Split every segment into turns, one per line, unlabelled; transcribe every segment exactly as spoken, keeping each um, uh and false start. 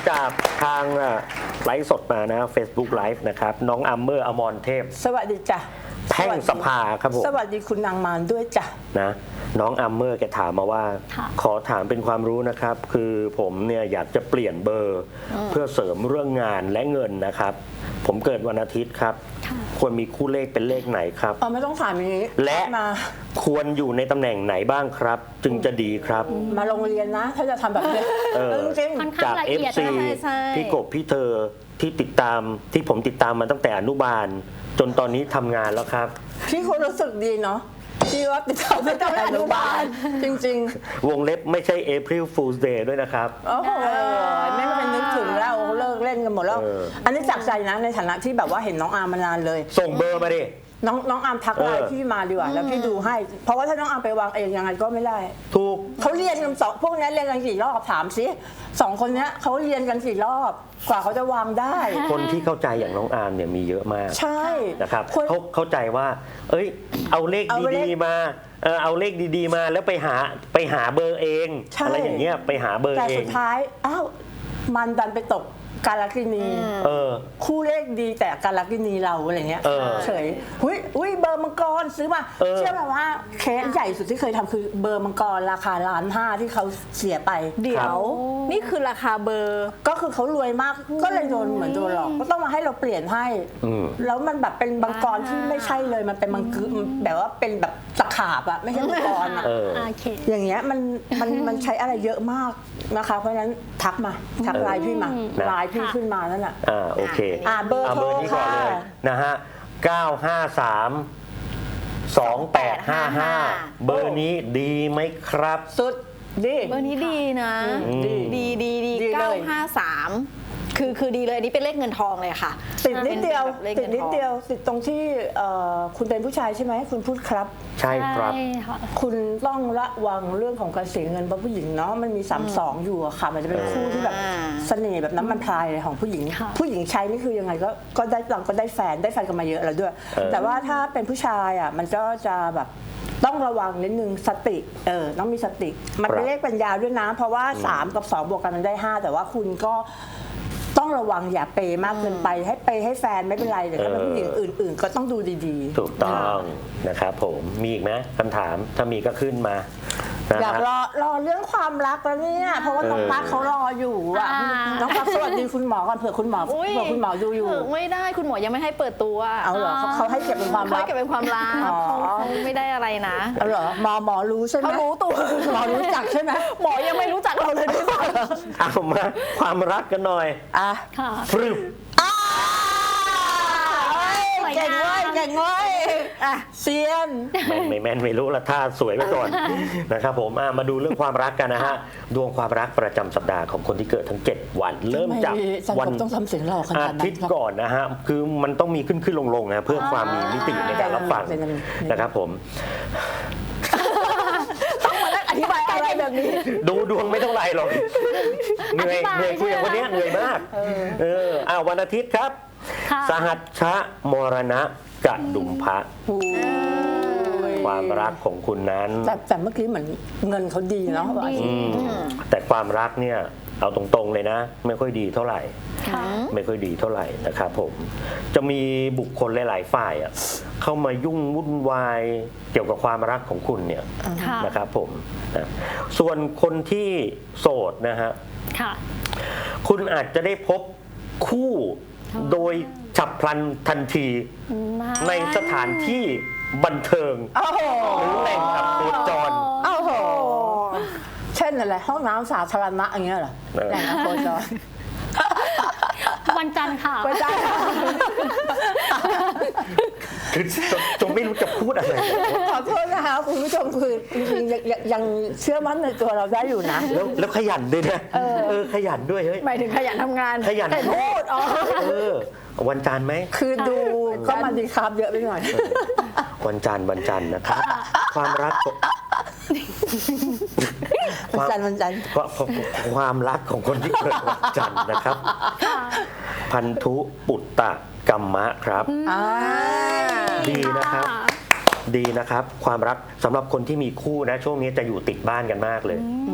จากทางไลฟ์สดมานะ Facebook Live นะครับน้องอัมเมอร์อมรเทพ
สวัสดีจ้ะ
แท่งสภาครับผม
สวัสดีคุณนางมารด้วยจ้ะ
นะน้องอัมเมอร์แกถามมาว่าขอถามเป็นความรู้นะครับคือผมเนี่ยอยากจะเปลี่ยนเบอร์เพื่อเสริมเรื่องงานและเงินนะครับผมเกิดวันอาทิตย์ครับควรมีคู่เลขเป็นเลขไหนครับ
อ๋อไม่ต้องถามอย่างนี้
และ
มา
ควรอยู่ในตำแหน่งไหนบ้างครับจึงจะดีครับ
มาโรงเรียนนะถ้าจะทำแบบนี้จริง
จาก เอฟ ซี พี่กบพี่เธอที่ติดตามที่ผมติดตามมาตั้งแต่อนุบาลจนตอนนี้ทำงานแล้วครับ
พี่คนรู้สึกดีเนาะที่ว่าติดตามตั้งแต่อนุบาลจริง
ๆวงเล็บไม่ใช่ April Fool's Day ด้วยนะครับ
โอ้โหไม่เป็นนึกถึงแล้วเลิกเล่นกันหมดแล้วอันนี้จากใจนะในฐานะที่แบบว่าเห็นน้องอาร์มมานานเลย
ส่งเบอร์มาดิ
น้องน้องอาร์มทักไลน์พี่มาดีกว่าแล้วพี่ดูให้เพราะว่าถ้าน้องอาร์มไปวางเองยังไงก็ไม่ได้
ถูก
เขาเรียนกันสองพวกนี้เรียนกันกี่รอบถามสิสองคนนี้เขาเรียนกันกี่รอบกว่าเขาจะวางได้
คนที่เข้าใจอย่างน้องอาร์มเนี่ยมีเยอะมาก
ใช่
นะครับเขาเข้าใจว่าเอ้ยเอาเลขดีๆมาเออเอาเลขดีๆมาแล้วไปหาไปหาเบอร์เองอะไรอย่างเงี้ยไปหาเบอร์เอง
แต่สุดท้ายอ้าวมันดันไปตกกาลกินีคู่เลขดีแต่กาลกินีเราอะไรเงี้ยเฉยหุ้ยหุ้ยเบอร์มังกรซื้อมาเชื่อไหมว่าเคสใหญ่สุดที่เคยทำคือเบอร์มังกรราคาล้านห้าที่เขาเสียไป
เดี๋ยวนี่คือราคาเบอร์
ก็คือเขารวยมากก็เลยโดนเหมือนโดนหลอกก็ต้องมาให้เราเปลี่ยนให้แล้วมันแบบเป็นมังกรที่ไม่ใช่เลยมันเป็นมังกรแบบว่าเป็นแบบตะขาบอะไม่ใช่มังกรอะอย่างเงี้ยมันมันมันใช้อะไรเยอะมากนะคะเพราะฉะนั้นทักมาทักไลน์พี่มาไลน์พี่ขึ้นมานั่นแหละ
อ่าโอเค
อ่าเบอร์โทรค่ะ
นะฮะเก้าห้าสามสองแปดห้าห้าเบอร์นี้ดีไหมครับ
สุดดี
เบอร์นี้ดีนะดีดีดีดีเก้าห้าสามคือคือดีเลยอันนี้เป็นเลขเงินทองเลยค่ะ
ติดนิดเดียวติดนิดเดียวติดตรงที่คุณเป็นผู้ชายใช่ไหมคุณพูดครับ
ใช่ครับ
คุณต้องระวังเรื่องของการเสียเงินเพราะผู้หญิงเนาะมันมีสามสองอยู่อะค่ะมันจะเป็นคู่ที่แบบเสน่ห์แบบน้ำมันพรายของผู้หญิงผู้หญิงใช้นี่คือยังไงก็ก็ได้เราก็ได้แฟนได้แฟนกันมาเยอะแล้วด้วยแต่ว่าถ้าเป็นผู้ชายอะมันก็จะแบบต้องระวังนิดนึงสติเออต้องมีสติมันเป็นเลขปัญญาด้วยนะเพราะว่าสามกับสองบวกกันมันได้ห้าแต่ว่าคุณก็ต้องระวังอย่าเปย์มากเกินไปให้เปย์ให้แฟนไม่เป็นไรแต่ถ้าเป็นผู้หญิงอื่นๆก็ต้องดูดี
ๆถูกต้องนะครับผมมีอีกไหมคำถามถ้ามีก็ขึ้นมา
อยากรอรอเรื่องความรักแล้วเนี่ยเพราะว่าน้องรักเขารออยู่อ่ะน้องรักสวัสดีคุณหมอก่อนเผื่อคุณหมอเผื่อคุณหมอดูอยู่
ไม่ได้คุณหมอยังไม่ให้เปิดตัว
เอาเหรอเขาให้เก็บเป็นความลับ
เก็บเป็นความลับเขาไม่ได้อะไรนะ
เอาเหรอหมอหมอรู้ใช่ไหม
เขารู้ตัว
หมอรู้จักใช่ไหม
หมอยังไม่รู้จักเราเลยด้วยซ้
ำเอามาความรักกันหน่อย
อ่ะ
ฟรึบ
เก่งเว้ยเก่งเว้ยอ่ะเซียน
แม่นไม่แม่นไม่รู้ละท่าสวยไปก่อนนะครับผมมาดูเรื่องความรักกันนะฮะดวงความรักประจำสัปดาห์ของคนที่เกิดทั้งเจ็ดวันเริ่มจาก
วันต้องทำเสียงหล่อขนาดนั้น
อาทิตย์ก่อนนะฮะคือมันต้องมีขึ้นขึ้นลงลงนะเพื่อความมีมิติในการรับฟังนะครับผม
ต้องมานั่งอธิบายอะไรแบบนี้
ดูดวงไม่เท่าไรหรอกเหนื่อยเหนื่อยคุยกับคนนี้เหนื่อยมากเอออ้าววันอาทิตย์ครับสหัชชะมรณะกะดุมพะความรักของคุณนั้น
แต่แต่เมื่อกี้เหมือนเงินเขาดีเนาะ
แต่ความรักเนี่ยเอาตรงๆเลยนะไม่ค่อยดีเท่าไหร่ไม่ค่อยดีเท่าไหร่นะครับผมจะมีบุคคลหลายๆฝ่ายอ่ะเข้ามายุ่งวุ่นวายเกี่ยวกับความรักของคุณเนี่ยนะครับผมนะส่วนคนที่โสดนะฮะคุณอาจจะได้พบคู่โดยฉับพลันทันทีในสถานที่บันเทิงหรือแหล่งอับโคจร
เช่นอะไรห้องน้ำสาธารณะอย่างเงี้ยเหรอแหล่งอับโคจร
วันจันทร์ค่ะ
วันจันทร์
คือจงไม่รู้จะพูดอะไร
ขอโทษนะคะคุณผู้ชมคือจริงๆยังเชื่อมั่นในตัวเราได้อยู่นะ
แล้วแล้วขยันด้วยนะเออขยันด้วยเฮ้ย
หมายถึงขยันทำงาน
ขยัน
พูดอ๋อ
เออวันจันทร์ไหม
คือดูก็มันดีครับเยอะไปหน่อย
วันจันทร์วันจันทร์นะครับความรัก
วันจันทร์วันจันทร์
ความรักของคนที่เกิดวันจันทร์นะครับพันธุปุตตะกัมมะครับดีนะครับดีนะครับความรักสำหรับคนที่มีคู่นะช่วงนี้จะอยู่ติดบ้านกันมากเลย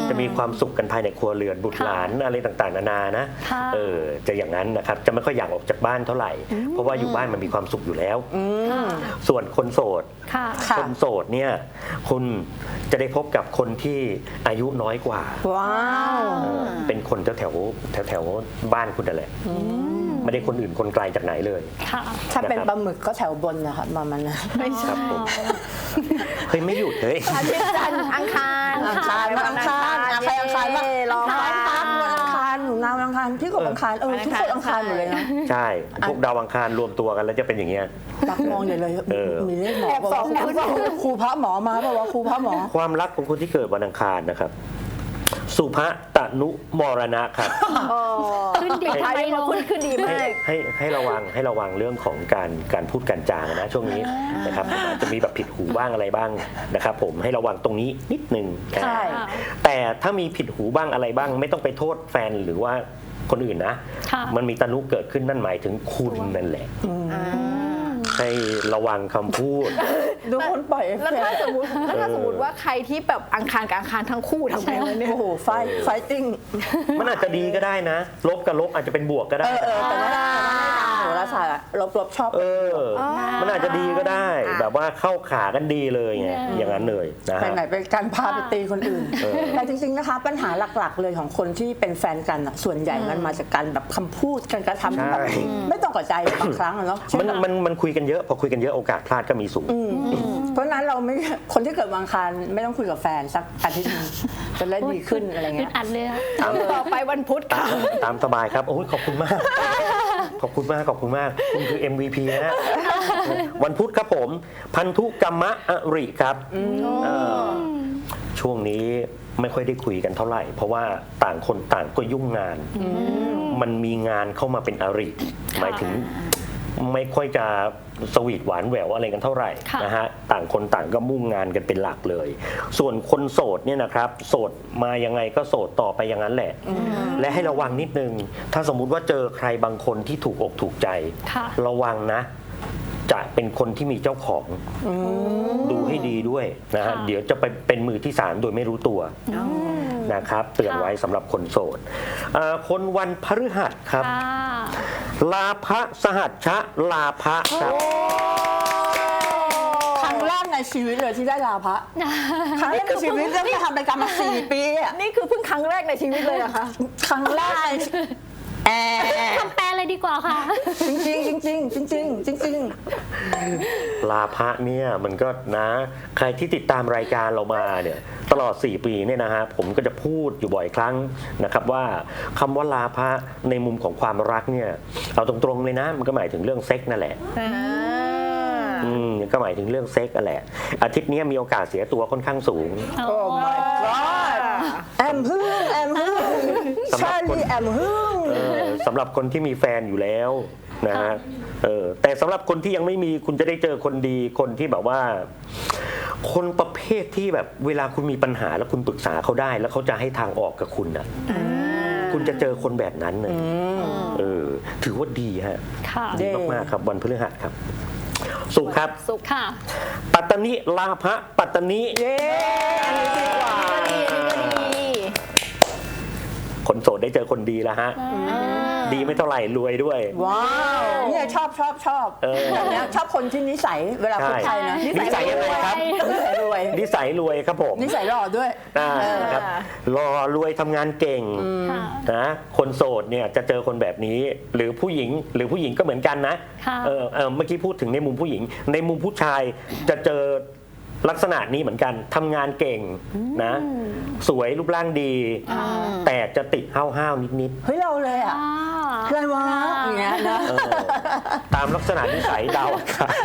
จะมีความสุขกันภายในครัวเรือนบุตรหลานอะไรต่างๆนานานะ
ค่ะ
เออจะอย่างนั้นนะครับจะไม่ค่อยอยากออกจากบ้านเท่าไหร่ เพราะว่าอยู่บ้านมันมีความสุขอยู่แล้ว
ค่ะ
ส่วนคนโสด
ค่ะ
ค่ะ
คนโสดเนี่ยคุณจะได้พบกับคนที่อายุน้อยกว่า
ว้าว
เออเป็นคนแถวแถวแถวแถวๆบ้านคุณนั่นแหละไม่ได้คนอื่นคนไกลจากไหนเลย
ค่ะ
ถ้าเป็นปลาหมึกก็แถวบนนะคะประมาณนั้น
ไม่ใช่
ครับผมเฮ้ยไม่หยุดเลย
อาทิตย์จันทร์อังคาร
อังคารวันอังคารอ่ะใครอังคารบ้าง
เย้รอ
อังคารครับวันอังคารหนูนาววันอังคารพี่กบอังคารเออทุกคนอังคารหมดเลยนะ
ใช่พวกดาวอังคารรวมตัวกันแล้วจะเป็นอย่างเงี้ย
รักมองใหญ่เลย
เออ
มีเลขหมอบอกว่าครูพระหมอมาบอกว่าครูพระหมอ
ความรักของคนที่เกิดวันอังคารนะครับ สุภตนุมรณะครับ
ขึ้นดี
ท้าย
ไป
ที่
ล
มาง ขึ้นขึ้นดี
ให้
มาก
ให้ให้ระวังให้ระวังเรื่องของการการพูดการจานะช่วงนี้นะครับอาจจะมีแบบผิดหูบ้างอะไรบ้างนะครับผมให้ระวังตรงนี้นิดนึงนะ
ใช่
แต่ถ้ามีผิดหูบ้างอะไรบ้าง ไม่ต้องไปโทษแฟนหรือว่าคนอื่นนะ
ค่ะ
มันมีตนุเกิดขึ้นนั่นหมายถึงคุณนั่นแหละให้ระวังคำพูด
ดูคนปล่อยเอฟ
แล้ว
เฟ
ถ้าก
ต์
สมมติแล้วถ้าสมมติว่าใครที่แบบอังคารกับอังคารทั้งคู่ทำไงวะเนี่ย
โอ้โหไฟไฟติ้ง
มันอาจจะดีก็ได้นะ ลบกับลบอาจจะเป็นบวกก็ได้
เออเออแต่ว่าตามโหราศาสตร์อะลบลบชอบ
เออ มันอาจจะดีก็ได้ แบบว่าเข้าขากันดีเลยไงอย่างนั้นเลยนะ
ไป
ฮะ
ไหนไปการพาไปตีคนอื่น
เออ
แต่จริงๆนะคะ ปัญหาหลักๆเลยของคนที่เป็นแฟนกันอะส่วนใหญ่มันมาจากการแบบคำพูดการกระทำที่แบบ
ใช่
ไม่ต้องกระใจบางครั้งอะเนาะเช่
มัน
นแบบ
มันมันคุยกันเยอะพอคุยกันเยอะโอกาสพลาดก็มีสูง
เพราะฉะนั้นเราไม่คนที่เกิดวันอังคารไม่ต้องคุยกับแฟนสักอาทิตย์หนึงจะได้ดีขึ้นอะไร
อึ
เงี้
ด
ย
อัดเลยอะ
ต่อไปวันพุธ
ตา
ค่ะ
มตามสบายครับโอ้ยขอบคุณมาก ขอบคุณมากขอบคุณมาก คุณคือ เอ็ม วี พี นะฮะวันพุธครับผม พันธุกรรมะอริครับเออช่วงนี้ไม่ค่อยได้คุยกันเท่าไหร่ เพราะว่าต่างคนต่างก็ยุ่งงาน มันมีงานเข้ามาเป็นอริ หมายถึงไม่ค่อยจะสวีทหวานแหววอะไรกันเท่าไหร่
ค่ะ
นะฮะต่างคนต่างก็มุ่งงานกันเป็นหลักเลย ส่วนคนโสดเนี่ยนะครับโสดมายังไงก็โสดต่อไปอย่างนั้นแหละ และให้ระวังนิดนึง ถ้าสมมุติว่าเจอใครบางคนที่ถูกอกถูกใจ
ค่ะ
ระวังนะ จะเป็นคนที่มีเจ้าของดูให้ดีด้วยนะฮะ
ค่ะ
เดี๋ยวจะไปเป็นมือที่สามโดยไม่รู้ตัวนะครับ เตือนไว้สำหรับคนโสดเอ่อคนวันพฤหัสครับ
ค่ะ
ลาภสหัชชะลาภครับ
ครั้งแรกในชีวิตเลยที่ได้ลาพระครั้งแรกในชีวิตเรื่องที่ทำรายการมาสี่ปีอะ
นี่คือเพิ่งครั้งแรกในชีวิตเลยเหรอคะ
ครั้งแรกในแอร์
ทำแปลเลยดีกว่าค่ะ
จริงจริงจริงจริงจริงจริงจริง
ลาภะเนี่ยมันก็นะใครที่ติดตามรายการเรามาเนี่ยตลอดสี่ปีเนี่ยนะฮะผมก็จะพูดอยู่บ่อยครั้งนะครับว่าคำว่าลาภะในมุมของความรักเนี่ยเอาตรงๆเลยนะมันก็หมายถึงเรื่องเซ็กนั่นแหละอืมก็หมายถึงเรื่องเซ็กนั่นแหละอาทิตย์นี้มีโอกาสเสียตัวค่อนข้างสูง
โอ้ my god แอมฮึ่งแอมฮึ่ง
สำหรับ
ชา
คน
ลีแอมฮึ่ง
เออสำหรับคนที่มีแฟนอยู่แล้วนะฮะเออแต่สำหรับคนที่ยังไม่มีคุณจะได้เจอคนดีคนที่แบบว่า คนประเภทที่แบบเวลาคุณมีปัญหาแล้วคุณปรึกษาเขาได้ แล้วเขาจะให้ทางออกกับคุณน่ะคุณจะเจอคนแบบนั้นเลยเออถือว่าดีฮะ
ค่ะ
ดีมากๆครับวันพฤหัสครับ สุขครับ
สุข
ค่ะ
ปัตตนิลาภะปัตตนิ
เย้
อันนี้ดีกว่า
ดีอันนี้ก็ดี
คนโสดได้เจอคนดีแล้วฮะ ดีไม่เท่าไหร่รวยด้วย
ว้าวเนี่ยชอบชอบชอบ
เออ
แบบเนี้ยชอบคนที่นิสัยเวลาพูดไทยนะ
นิสัยยังไงครับ
นิสัยรวย
นิสัยรวยครับผม
นิสัยหล่อด้วย
อ่าครับรอรวยทำงานเก่ง
ค่ะ
นะคนโสดเนี่ยจะเจอคนแบบนี้ หรือผู้หญิงหรือผู้หญิงก็เหมือนกันนะ
ค่ะ
เออเออเมื่อกี้พูดถึงในมุมผู้หญิง ในมุมผู้ชายจะเจอลักษณะนี้เหมือนกันทำงานเก่งนะ สวยรูปร่างดี แต่จะติดห้าวๆนิด
เฮ้ยเราเลยอ่ะ
อ่า
อะไรวะอย่างเงี้ยนะ
ๆเออตามลักษณะนิสัยดาวอากาศ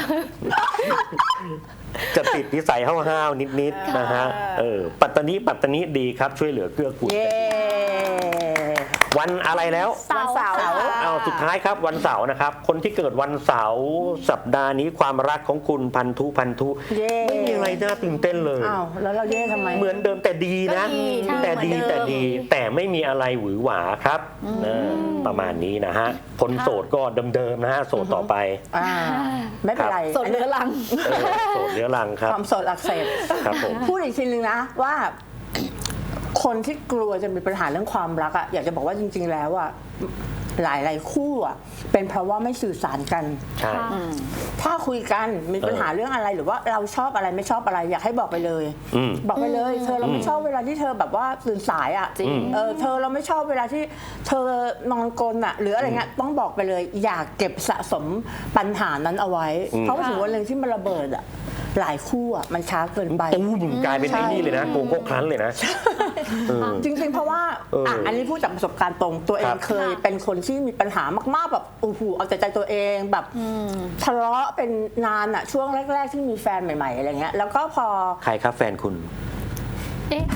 จะติดนิสัยห้าวๆนิดๆนะฮะเออปัตตนิปัตตนิดีครับช่วยเหลือเกื้อกูล
เย้
วันอะไรแล้ว
เสาร์
วันเสาร์
ค่ะ
เอาสุดท้ายครับวันเสาร์นะครับ คนที่เกิดวันเสาร์สัปดาห์นี้ความรักของคุณพันธุพันธุ
เย้
ไม่มีอะไรน่าตื่นเต้นเลย
อ้าวแล้วเราเย่ทำไม
เหมือนเดิมแต่ดีนะ
ก็ดีใช่
แต่ดี
เหมือนเดิม
แต่ดี แต่ไม่มีอะไรหวือหวาครับเออประมาณนี้นะฮะคนโสดก็เดิมๆนะฮะโสดต่อไป
อ่าไม่เป็นไร
สดเรือรัง
เออโสดเรื้อรังครับ
ความโสดอักเสบ
ครับผม
พูดอีกทีนึงนะว่าคนที่กลัวจะมีปัญหาเรื่องความรักอะอยากจะบอกว่าจริง ๆ แล้วอะหลายหลายๆคู่อะเป็นเพราะว่าไม่สื่อสารกัน
ใช่
ถ้าคุยกันมีปัญหาเรื่องอะไรหรือว่าเราชอบอะไรไม่ชอบอะไรอยากให้บอกไปเลย
อืม
บอกไปเลย เธอเราไม่ชอบเวลาที่เธอแบบว่าตื่นสายอ่ะ
จริง
เออเธอเราไม่ชอบเวลาที่เธอนอนกลนอ่ะหรืออะไรเงี้ยต้องบอกไปเลย อยากเก็บสะสมปัญหานั้นเอาไว้ เพราะว่าถึงวันหนึ่งที่มันระเบิดอ่ะหลายคู่อ่ะมันช้าเกินไป
ตู้มกลายเป็นไอ้นี่เลยนะโกโก้ครั้นเลยนะเออ
จริงๆ เพราะว่า
เอออ่
อ่ะอันนี้พูดจากประสบการณ์ตรงตัวเอ
ค
ง
รับ
เคยเป็นคนที่มีปัญหามากๆแบบโอ้โหเอาแต่ใจตัวเองแบบทะเลาะเป็นนานอ่ะช่วงแรก ๆ ที่มีแฟนใหม่ๆอะไรเงี้ยแล้วก็พอ
ใครครับแฟนคุณ
เอ๊ะ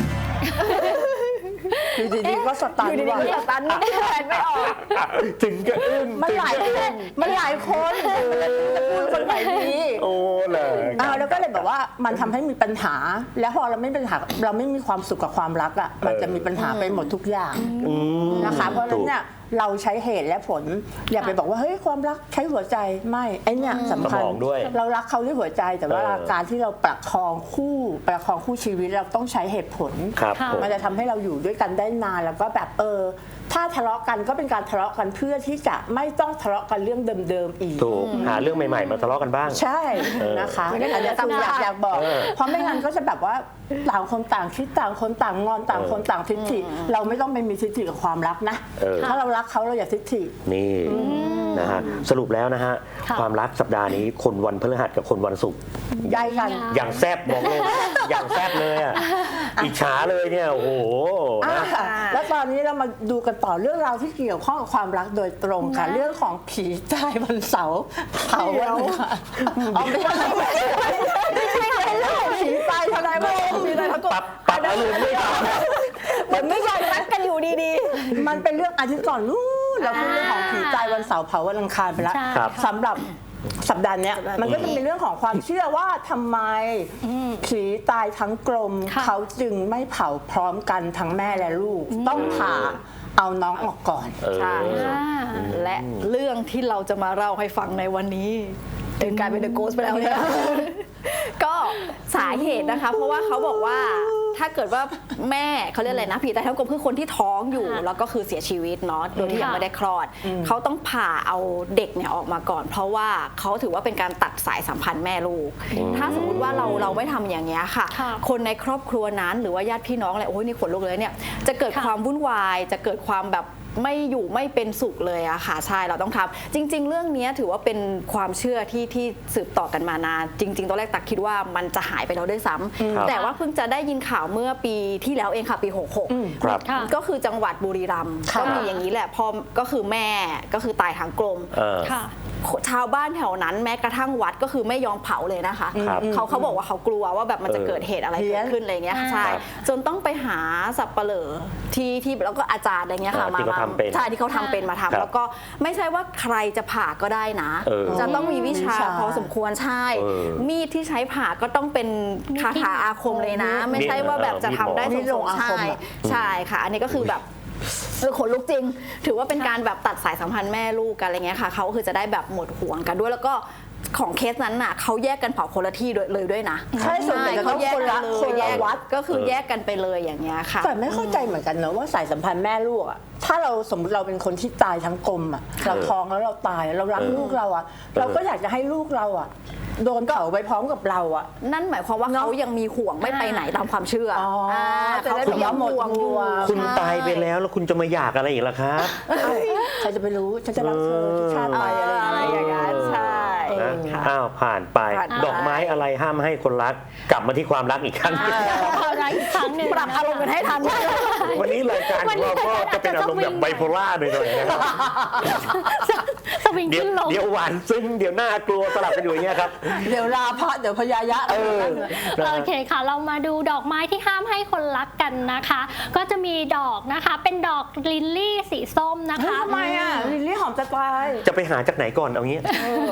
อยู่ดีๆก็สตัน
อยู่ดี
ว่ะ
ๆสตันนี่แฟนไม่ออก
ถึงก็อึ้ง
มันหลายคนมันหลายคนจะพูดคนไหนดี
โอ้เลย
อ่าแล้วก็เลยแบบว่ามันทำให้มีปัญหา แล้วพอเราไม่มีปัญหาเราไม่มีความสุขกับความรักอ่ะมันจะมีปัญหาไปหมดทุกอย่าง
อืม
นะคะเพราะฉะนั้นเนี่ยเราใช้เหตุและผล อย่าไปบอกว่าเฮ้ยความรักใช้หัวใจไม่ไอเนี่ยสำคัญ
สมองด้วย
เรารักเขาด้วยหัวใจแต่ว่า
เออ
การที่เราประคองคู่ประคองคู่ชีวิตเราต้องใช้เหตุผล
ครับ
ค่ะ
ผม
มันจะทำให้เราอยู่ด้วยกันได้นานแล้วก็แบบเออถ้าทะเลาะกันก็เป็นการทะเลาะกันเพื่อที่จะไม่ต้องทะเลาะกันเรื่องเดิมๆอีก
ถูกหาเรื่องใหม่ๆมาทะเลาะกันบ้าง
ใช่
เออ
นะคะ
ไม่งั้น
อันนี้
เดี๋ยว
คืออยาก
จะ
อยากบอก
เออ
เพราะไม่งั้นก็จะแบบว่าต่างคนต่างคิดต่างคนต่างงอนต่างคนต่างทิฐิเราไม่ต้องไปมีทิฐิกับความรักนะ
เออ
ถ้าเรารักเขาเราอย่าทิฐิ
นี่นะฮะสรุปแล้วนะฮะ
ค่ะ
ความรักสัปดาห์นี้คนวันพฤหัสกับคนวันศุกร์
ย้ายกัน
อย่างแซบบอกเลย อย่างแซบเลยอ่ะอิจฉาเลยเนี่ยโอ้โห
อ่ะ
นะ
แล้วตอนนี้เรามาดูกันต่อเรื่องราวที่เกี่ยวข้องกับความรักโดยตรงค่ะ
นะ
เรื่องของผีตายวันเสาร์เผาวันอังคารอ๋อไม่ใช่ไม่ใช่ไม่ใช่เรื่องของผีตายทนายว่าผีตายทั้งก
ปรับปรับอารมณ์ไม่ทัน
มันไม่ใช่
รักกันอยู่ดี
มันเป็นเรื่องอาทิตย์ก่อนนู้นเราพูดเรื่องของผีตายวันเสาร์เผาวันอังคารไปแล้ว
ใช่
ครับ
สำหรับสัปดาห์เนี้ยมันก็จะมีเรื่องของความเชื่อว่าทำไมผีตายทั้งกลม
ค่ะ
เขาจึงไม่เผาพร้อมกันทั้งแม่และลูก ต้องผ่าเอาน้องออกก่อน
เออ
ใช่
อ่า
ๆ และเรื่องที่เราจะมาเล่าให้ฟังในวันนี้ถึงกลายเป็นเดอะโกสไปแล้วเนี่ย ก็สาเหตุนะคะ เพราะว่าเขาบอกว่าถ้าเกิดว่าแม่เขาเรียกอะไรนะผีตายทั้งกลมคือคนที่ท้องอยู่
ค่ะ
แล้วก็คือเสียชีวิตเนาะโดยที่ยัง
ค่ะ
ไม่ได้คลอด เขาต้องผ่าเอาเด็กเนี่ยออกมาก่อน เพราะว่าเขาถือว่าเป็นการตัดสายสัมพันธ์แม่ลูก ถ้าสมมุติว่าเราเราไม่ทำอย่างเงี้ยค่ะ
ค่ะ
คนในครอบครัวนั้นหรือว่าญาติพี่น้องอะไรโอ้ยนี่ขนลุกเลยเนี่ยจะเกิด
ค่ะ
ความวุ่นวายจะเกิดความแบบไม่อยู่ไม่เป็นสุขเลยอะค่ะใช่เราต้องทำจริง ๆ เรื่องนี้ถือว่าเป็นความเชื่อที่ที่สืบต่อกันมานานจริง ๆตอนแรกตักคิดว่ามันจะหายไปแล้วด้วยซ้ำ
ครับ
แต่ว่าเพิ่งจะได้ยินข่าวเมื่อปีที่แล้วเองค่ะปีหกหก
ครับ
ค่ะ
ก็คือจังหวัดบุรีรัมย์
ค่ะ
ก็มีอย่างนี้แหละพอก็คือแม่ก็คือตายทางกลม
เออ
ค่ะ
ชาวบ้านแถวนั้นแม้กระทั่งวัดก็คือไม่ยอมเผาเลยนะคะ
ครับ
เขาเขาบอกว่าเขากลัวว่าแบบมันจะ
เออ
เกิดเหตุอะไร
เพี้
เกิ
ย
ด
น
ขึ้นอะไรเงี้ย
อ่า
ใช่
ครับ
จนต้องไปหาสับปะเหร่อที่ที่แล้วก็อาจารย์อะไรเงี้ยค่ะ
อ่าที่เขาทำเป็น
ใช่ที่เขาทำเป็นมาทำ
ครับ
แล้วก็ไม่ใช่ว่าใครจะผ่าก็ได้นะ
เออ
จะต้องมีวิชา
วิชา
พอสมควรใช่
เออ
มีดที่ใช้ผ่าก็ต้องเป็นคาถาอาคมเลยนะ ไม่ใช่ว่าแบบจะทำได้
มี
ส
ดล
ม
งอา
ๆใช่
คมอะ
ใช่ค่ะ อันนี้ก็คือแบบเออขนลุกจริง ถือว่าเป็นการแบบตัดสายสัมพันธ์แม่ลูกกันอะไรเงี้ยค่ะเขาก็คือจะได้แบบหมดห่วงกันด้วยแล้วก็ของเคสนั้นน่ะเขาแยกกันเผาคนละที่ด้วยเลยด้วยนะ
ใช่ส่วนใหญ่จะต้องคนละ
เลย
คนละ
แยก
วัด
ก็คือแยกกันไปเลยอย่างเงี้ยค่ะ
แต่ไม่เข้าใจเหมือนกันเนอะว่าสายสัมพันธ์แม่ลูกอะถ้าเราสมมติเราเป็นคนที่ตายทั้งกลมอะเราท้องแล้วเราตายเรารัก
เออ
ลูกเราอะเราก็อยากจะให้ลูกเราอะโดนเผาไปพร้อมกับเราอะ
นั่นหมายความว่า
เนอะ
เขายังมีห่วงไม่ไปไหนตามความเชื่อ
อ๋ออ่
า
จะได้
เขายัง
หมด
ห่วงอยู่
ห่วง
คุณ
ใช่
ตายไปแล้วแล้วคุณจะมาอยากอะไรอีกล่ะครับ
เอ้าใครจะไปรู้ฉันจะรักเธอทุกชาติไปอะไรอย่าง
อะไรอย่าง
เงี้ย
นั้นใช่
นะ
ค่ะ
อ้าวผ่านไป
ผ่านไป
ดอกไม้อะไรห้ามให้คนรัก กลับมาที่ความรักอีกครั้ง
ความรักอีกครั้งหนึ่ง
ปรับอารมณ์กันให้ทัน
วันนี้รายการของเราก็จะเป็นอารมณ์แบบไบโพล่าหน่อยๆนะครับ
สวิง
เดี๋ยว
ขึ้นลง
เดี๋ยวหวานซึ้งเดี๋ยวน่ากลัวสลับกันอยู่อย่างเงี้ยครับ
เดี๋ยวลาพระเดี๋ยวพยายะ
เออนะ
โอเคค่ะ เรามาดูดอกไม้ที่ห้ามให้คนรักกันนะคะ ก็จะมีดอกนะคะ เป็นดอกลิลลี่สีส้มนะคะ
ทำไมอ่ะลิลลี่หอมจะตาย
จะไปหาจากไหนก่อนเอางี้
จริง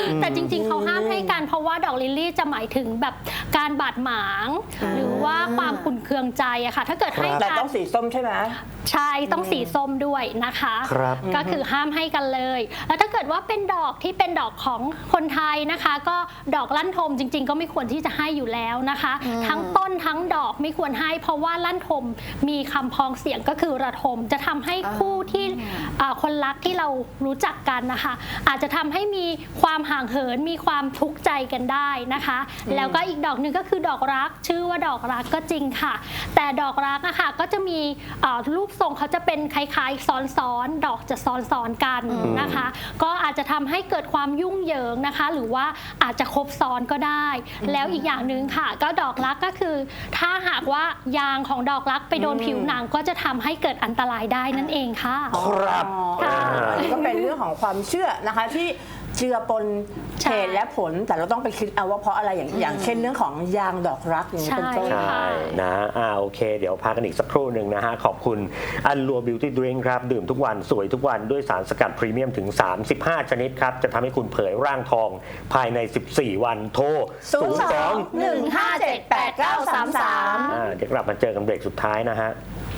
แต่จริงๆเขาห้ามให้กันเพราะว่าดอกลิลลี่จะหมายถึงแบบการบาดหมางหรือว่าความขุ่นเคืองใจอะค่ะถ้าเกิดให้
แต่
กัน
ต้องสีส้มใช่ไหม
ใช่ต้องสีส้มด้วยนะคะ
ครับ
ก็คือห้ามให้กันเลย แล้วถ้าเกิดว่าเป็นดอกที่เป็นดอกของคนไทยนะคะ ก็ดอกลั่นทมจริง ๆ ก็ไม่ควรที่จะให้อยู่แล้วนะคะ ทั้งต้นทั้งดอกไม่ควรให้ เพราะว่าลั่นทมมีคำพ้องเสียงก็คือระทมจะทำให้คู่ที่อ่าคนรักที่เรารู้จักกันนะคะ อาจจะทำให้มีความห่างเหินมีความทุกข์ใจกันได้นะคะ แล้วก็อีกดอกหนึ่งก็คือดอกรักชื่อว่าดอกรักก็จริงค่ะ แต่ดอกรักนะคะก็จะมีอ่ารูปทรงเขาจะเป็นคล้ายๆซ้อนๆดอกจะซ้อนๆกันนะคะ ก็อาจจะทำให้เกิดความยุ่งเหยิงนะคะ หรือว่าอาจจะครบซ้อนก็ได้ แล้วอีกอย่างหนึ่งค่ะ ก็ดอกรักก็คือ ถ้าหากว่ายางของดอกรักไปโดนผิวหนังก็จะทำให้เกิดอันตรายได้นั่นเองค่ะ
ครับ
อ๋ออันนี้ก็เป็นเรื่องของความเชื่อนะคะที่เจือปน
ใช่
เหตุและผลแต่เราต้องไปคิดเอาว่าเพราะอะไรอย่างอย่างเช่นเรื่องของยางดอกรักอย่างนี้เป็นต้น
ใช่
ใช่นะอ่าโอเค เดี๋ยวพักกันอีกสักครู่หนึ่งนะฮะ ขอบคุณอันลัวบิวตี้ดริงครับ ดื่มทุกวันสวยทุกวันด้วยสารสกัดพรีเมียมถึง สามสิบห้า ชนิดครับ จะทำให้คุณเผยร่างทองภายใน สิบสี่ วันโทร
ศูนย์สอง หนึ่งห้าเจ็ดแปดเก้าสามสาม
อ่าเดี๋ยวกลับมาเจอกันเบรกสุดท้ายนะฮะ